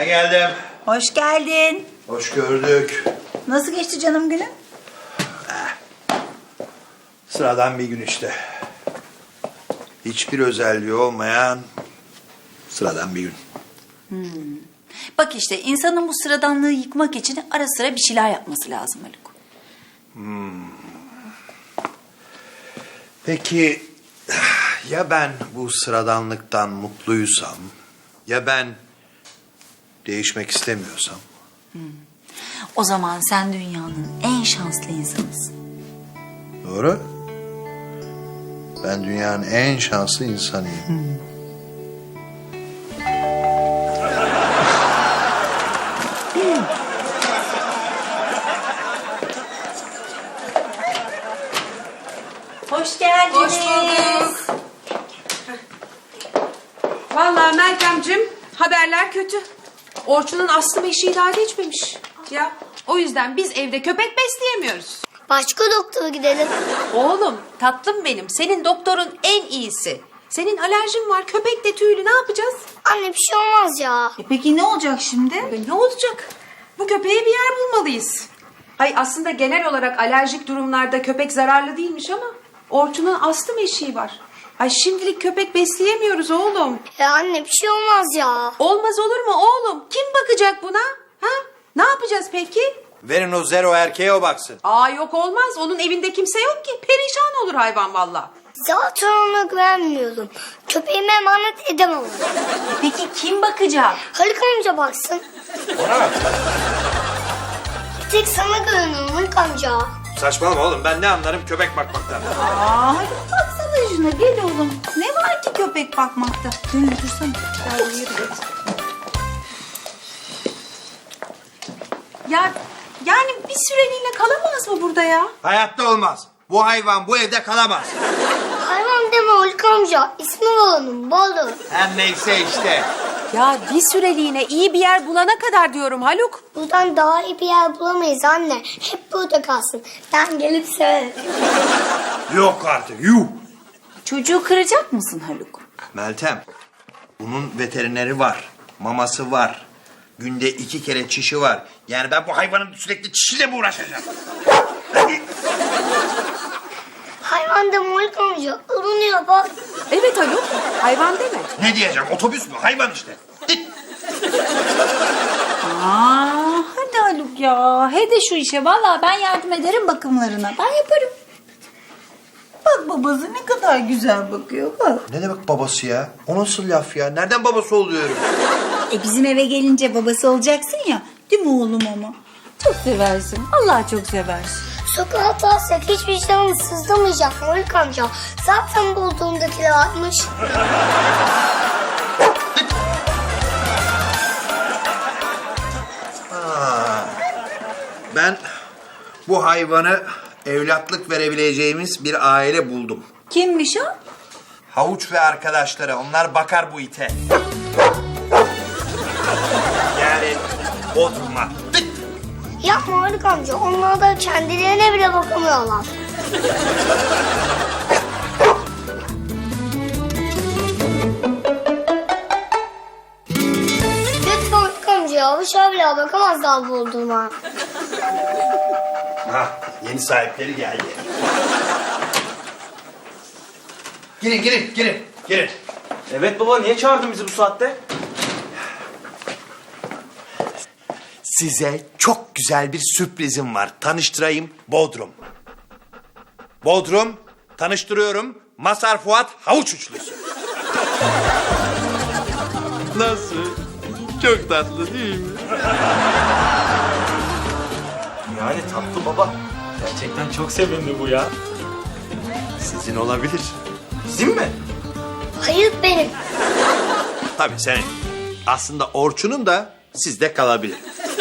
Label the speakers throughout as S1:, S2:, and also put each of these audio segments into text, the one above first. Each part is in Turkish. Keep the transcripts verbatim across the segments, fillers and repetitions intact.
S1: geldim.
S2: Hoş geldin.
S1: Hoş gördük.
S2: Nasıl geçti canım günün?
S1: Sıradan bir gün işte. Hiçbir özelliği olmayan sıradan bir gün.
S2: Bak işte insanın bu sıradanlığı yıkmak için ara sıra bir şeyler yapması lazım Haluk.
S1: Peki ya ben bu sıradanlıktan mutluysam, ya ben değişmek istemiyorsam?
S2: O zaman sen dünyanın en şanslı insanısın.
S1: Doğru. Ben dünyanın en şanslı insanıyım.
S2: Hoş geldiniz.
S3: Hoş bulduk. Vallahi Meltemciğim haberler kötü. Orçun'un astım eşiği daha geçmemiş. Ya o yüzden biz evde köpek besleyemiyoruz.
S4: Başka doktora gidelim.
S3: Oğlum tatlım benim senin doktorun en iyisi. Senin alerjin var köpek de tüylü ne yapacağız?
S4: Anne bir şey olmaz ya.
S2: E peki ne olacak şimdi?
S3: E, ne olacak? Bu köpeğe bir yer bulmalıyız. Hay aslında genel olarak alerjik durumlarda köpek zararlı değilmiş ama Orçun'un astım eşiği var. Ay şimdilik köpek besleyemiyoruz oğlum.
S4: Ya anne bir şey olmaz ya.
S3: Olmaz olur mu oğlum? Kim bakacak buna? Ha? Ne yapacağız peki?
S1: Verin o zero erkeğe o baksın.
S3: Aa yok olmaz. Onun evinde kimse yok ki. Perişan olur hayvan valla.
S4: Zaten ona güvenmiyorum. Köpeğime emanet edemem.
S2: Peki kim bakacak?
S4: Haluk amca baksın.
S1: Ona bak.
S4: Bir tek sana güveniyorum Haluk amca.
S1: Saçmalama oğlum, ben ne anlarım köpek bakmaktan.
S2: Aa Haluk baksana şuna gel oğlum. Ne var ki köpek bakmakta? Dön otursana.
S3: Gel yürü. Ya yani bir süreliğine kalamaz mı burada ya?
S1: Hayatta olmaz. Bu hayvan bu evde kalamaz.
S4: Hayvan deme Haluk amca. İsmi var onun balı.
S1: Her neyse işte.
S3: Ya bir süreliğine iyi bir yer bulana kadar diyorum Haluk.
S4: Buradan daha iyi bir yer bulamayız anne. Hep burada kalsın. Ben gelip severim.
S1: Yok artık, yuh.
S2: Çocuğu kıracak mısın Haluk?
S1: Meltem, bunun veterineri var, maması var. Günde iki kere çişi var. Yani ben bu hayvanın sürekli çişiyle mi uğraşacağım?
S4: Hayvan deme Haluk amca. Irınıyor bak.
S3: Evet Haluk. Hayvan deme.
S1: Ne diyeceğim, otobüs mü? Hayvan işte. Git.
S2: Aa, hadi Haluk ya. He de şu işe. Vallahi ben yardım ederim bakımlarına. Ben yaparım. Bak babası ne kadar güzel bakıyor. Bak.
S1: Ne demek babası ya? O nasıl laf ya? Nereden babası oluyorum?
S2: E bizim eve gelince babası olacaksın ya. Değil mi oğlum ama? Çok seversin. Allah çok seversin.
S4: Sokağa atarsak hiçbir canım sızlamayacak Haluk amca. Zaten bulduğumdakiler atmış.
S1: Ben bu hayvanı evlatlık verebileceğimiz bir aile buldum.
S2: Kimmiş o?
S1: Havuç ve arkadaşları, onlar bakar bu ite. Yani Bodrum'a.
S4: Yapma Haluk amca. Onlar da kendilerine bile bakamıyorlar. Lütfen Haluk amca ya. Bu şöyle bile bakamaz daha bulduğuma.
S1: Ha, yeni sahipleri geldi. Girin, girin, girin, girin.
S5: Evet baba, niye çağırdın bizi bu saatte?
S1: Size çok güzel bir sürprizim var. Tanıştırayım, Bodrum. Bodrum, tanıştırıyorum. Mazhar Fuat Havuç Uçlusu. Nasıl? Çok tatlı değil mi?
S5: Yani tatlı baba. Gerçekten çok sevindi bu ya.
S1: Sizin olabilir.
S5: Bizim mi?
S4: Hayır benim.
S1: Tabii senin. Aslında Orçun'un da sizde kalabilir.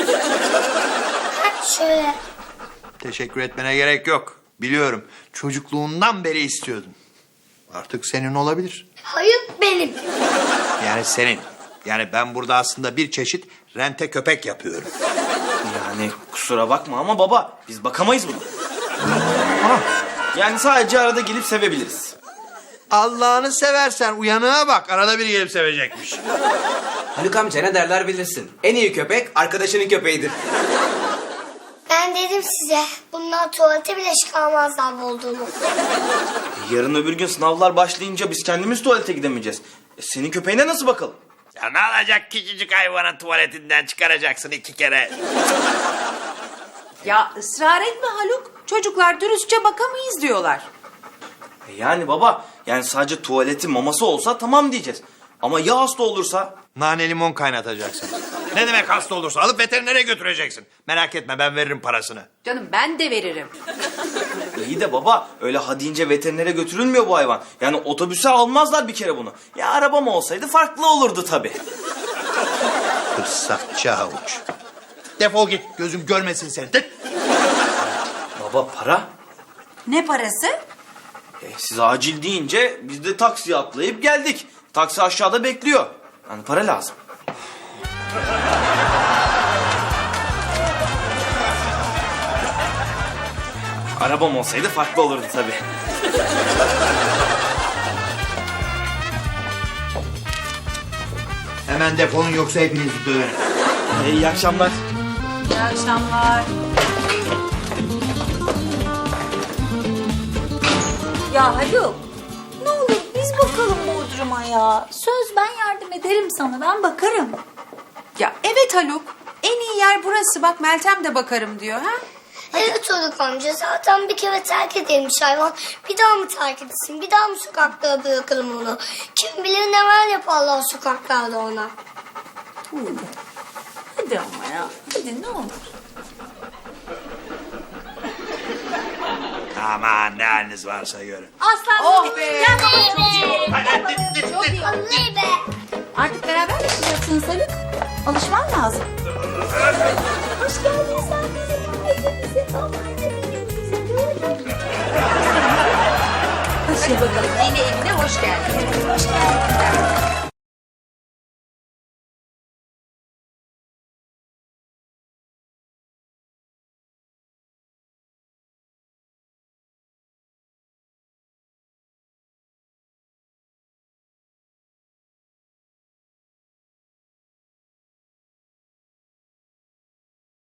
S4: Ha, şöyle.
S1: Teşekkür etmene gerek yok. Biliyorum. Çocukluğundan beri istiyordun. Artık senin olabilir.
S4: Hayır benim.
S1: Yani senin. Yani ben burada aslında bir çeşit rente köpek yapıyorum.
S5: Yani kusura bakma ama baba, biz bakamayız buna. Yani sadece arada gelip sevebiliriz.
S1: Allah'ını seversen uyanığa bak. Arada bir gelip sevecekmiş.
S6: Haluk amca ne derler bilirsin. En iyi köpek arkadaşının köpeğidir.
S4: Ben dedim size bunlar tuvalete bile çıkarmazlar bulduğumu.
S5: Yarın öbür gün sınavlar başlayınca biz kendimiz tuvalete gidemeyeceğiz. E, senin köpeğine nasıl bakalım?
S1: Ya ne olacak, küçücük hayvanın tuvaletinden çıkaracaksın iki kere.
S3: Ya ısrar etme Haluk. Çocuklar dürüstçe bakamayız diyorlar.
S5: E, yani baba, yani sadece tuvaleti maması olsa tamam diyeceğiz. Ama ya hasta olursa?
S1: Nane limon kaynatacaksın. Ne demek hasta olursa? Alıp veterinere götüreceksin. Merak etme, ben veririm parasını.
S3: Canım ben de veririm.
S5: İyi de baba, öyle ha deyince veterinere götürülmüyor bu hayvan. Yani otobüse almazlar bir kere bunu. Ya arabam olsaydı farklı olurdu tabii.
S1: Fırsatçı havuç. Defol git, gözüm görmesin seni. Tık.
S5: Baba para?
S2: Ne parası?
S5: E, siz acil deyince biz de taksiye atlayıp geldik. Taksi aşağıda bekliyor. Yani para lazım. Arabam olsaydı farklı olurdu tabii.
S1: Hemen defolun, yoksa hepinizi döverim.
S5: E, iyi akşamlar.
S2: İyi akşamlar. Ya Haluk, ne olur biz bakalım Bodrum'a ya. Söz, ben yardım ederim sana, ben bakarım.
S3: Ya evet Haluk. En iyi yer burası. Bak Meltem de bakarım diyor ha.
S4: Evet Haluk amca zaten bir kere terk edilmiş hayvan. Bir daha mı terk edilsin? Bir daha mı sokaklara bırakalım onu? Kim bilir neler yaparlar sokaklarda ona.
S2: Hadi ama ya, hadi ne olur.
S1: Aman ne haliniz varsa görün.
S2: Aslan,
S3: Oh be.
S2: gel babacığım.
S4: Vallahi be.
S2: Artık beraber yaşayacaksınız Haluk. Alışman lazım. Hoş geldin sen bizim ailemize. Hadi bakalım, yeni evine hoş geldin.
S4: Hoş geldin.